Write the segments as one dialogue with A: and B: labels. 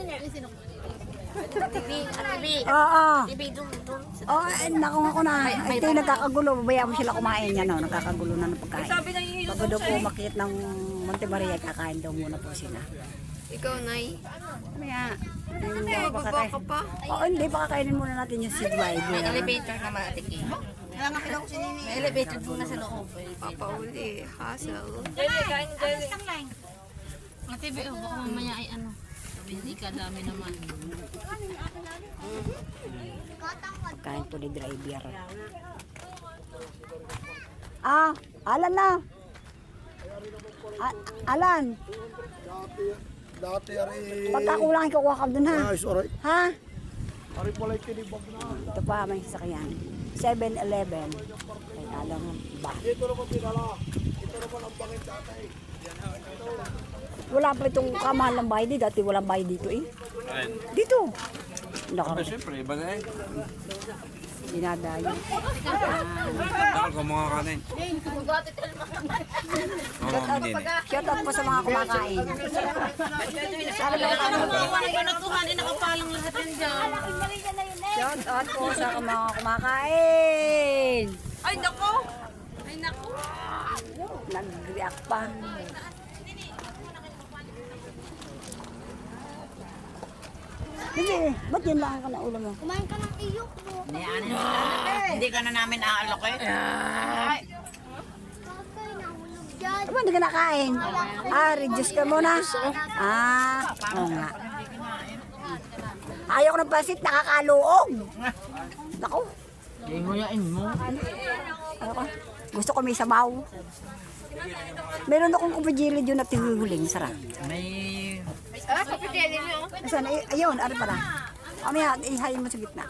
A: Oo. Oo, nakuha ko na. Ito yung nagkakagulo. Babayaan mo sila kumain yan. No? Nagkakagulo na ng pagkain. Bago daw po makit ng Monte Maria, kakain daw muna po sila.
B: Ikaw, Nay.
A: Kaya,
B: Baba ka pa.
A: oo, hindi. Pakakainin muna natin yung seed wide.
C: May elevator na matik eh. May elevator doon na sa loob.
B: Papauli. Hassle.
D: Ate, baka mamaya ay ano. Hindi ka dami naman.
A: Kain po ni driver. Ah, Alan na. Alan.
E: Dati ari.
A: Pagkakulang kukuha ka dun ha.
E: Ay, sorry.
A: Ha?
E: Ari pala kinibag na.
A: Ito pa may sasakyan. 7-Eleven. Ay, alam mo ba?
E: Ito naman pinala. Ito naman ang bangin tatay.
A: Wala pa itong kamahal ng bahay dito. Dati walang bahay dito eh. Dito. Nakarating.
F: Siyempre, iba na eh.
A: Dinadayo.
F: Takal ko mga kanin. Mga din.
A: Shout out po sa mga kumakain.
D: Nakapalang lahat yan dyan.
A: Shout out po sa mga kumakain.
B: Ay, nako. Ay, nako.
A: Nag-react pa. Hindi, ba't yun lang ka na ulo mo?
C: Kumain ka ng iyok mo. Hindi ka na namin aalok eh.
A: Ay,
C: Kakay, nahulog dyan.
A: ano ba hindi ka nakain? Ah, reduce ka muna. Ah, oo nga. Ayaw ko ng pasit, nakakaluog. Naku.
C: Nguyain mo.
A: Ano ka? Gusto ko may sabaw. Meron akong kupajili dyan na tihuhuling. Sarap.
C: May...
B: Kapitili niyo.
A: Asan? Ayun, ano pala? Mamaya, ihayin mo sa gitna.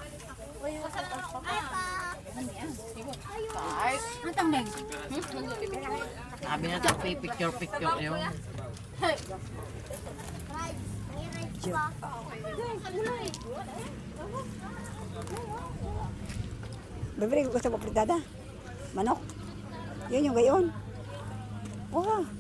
C: Sabi na tayo picture yun.
A: Bebe, gusto mo pritada? Manok? Yun yung gayon. Wow.